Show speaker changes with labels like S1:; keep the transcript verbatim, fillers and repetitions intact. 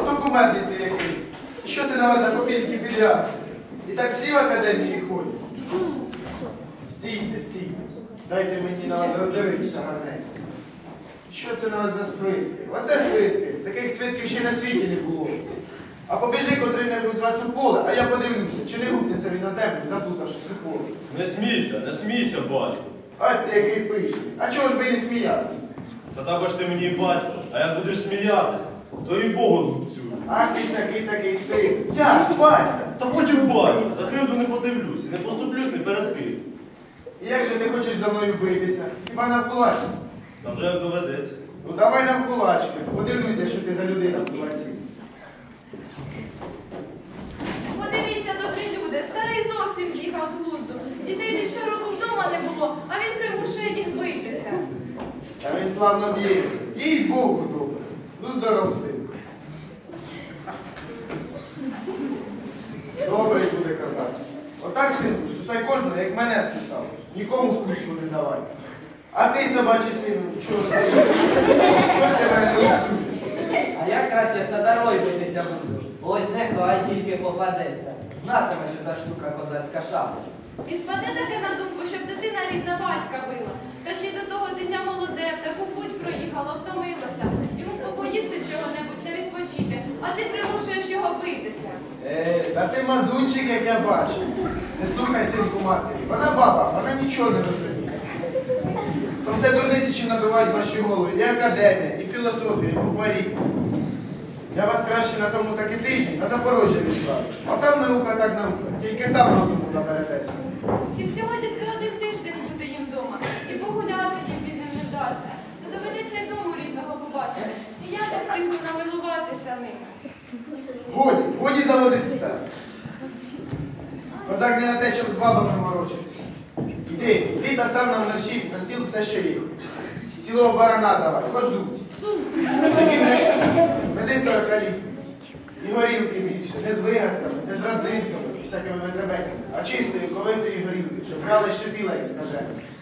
S1: документ ти який. Що це на вас за попільські підрядки? І так всі в академії ходять. Стійте, стійте. Дайте мені на вас роздивитися гарненько. Що це на вас за свитки? Оце свитки. Таких свитків ще на світі не було. А побіжи котрий-небудь з вас у поле, а я подивлюся, чи не гупнеться він на землю, заплутавшись у поле.
S2: Не смійся, не смійся, батько.
S1: А ти який пишний. А чого ж би не сміятися?
S2: Та також ти мені батько, а як будеш сміятись, то і Богу лупцюю.
S1: Ах ти сякий такий син. Я, батька.
S2: Та хочу батько, за кривду не подивлюсь, не поступлюсь ні перед ким.
S1: І як же ти хочеш за мною битися? Хіба навкулачки?
S2: Та вже як доведеться.
S1: Ну давай навкулачки. Подивлюся, що ти за людина в кулаці.
S3: Подивіться, добрі люди, старий зовсім з'їхав з глузду. Дітей більше року вдома не було, а він примушує їх битися.
S1: Та він славно б'ється. Їй Богу добре. Ну здоров, синку. Добре буде казати. Отак, синку, сусай кожного, як мене стусав. Нікому спуску не давай. А ти, собачий сину, чого стоїш? Що з тебе не працює?
S4: А як краще з татарою битися буду? Ось нехай тільки попадеться. Знатиме, що та штука козацька шапка.
S3: І спаде таке на думку, щоб дитина рідна батька била. Та ще й до того дитя молоде, в таку путь проїхало, втомилося. Йому попоїсти чого-небудь та відпочити, а ти примушуєш його битися.
S1: Е, та ти мазунчик, як я бачу. Не слухай, синку, матері. Вона баба, вона нічого не розуміє. То все дурниці, що набивають ваші голови. І академія, і філософія, і букварів. Я вас краще на тому таки тижні на Запорожжя відправлю. А там наука так наука. Тільки там розуму наберетеся.
S3: І всього тільки один тиждень бути їм вдома. І погуляти їм вільним не вдасться. Не доведеться й дому рідного побачити. І я не встигну намилуватися ним.
S1: Годі, годі заводитися. Козак не на те, щоб з бабами морочитися. Іди, іди та став нам мерщів на стіл все, що є. Цілого барана давай, козуть. Веди сорокалітку. І горілки більше, не з вигадками, не з родзинками, всякими витребеньками, а чистої, ковитої горілки, щоб брали шипіла, як скажено.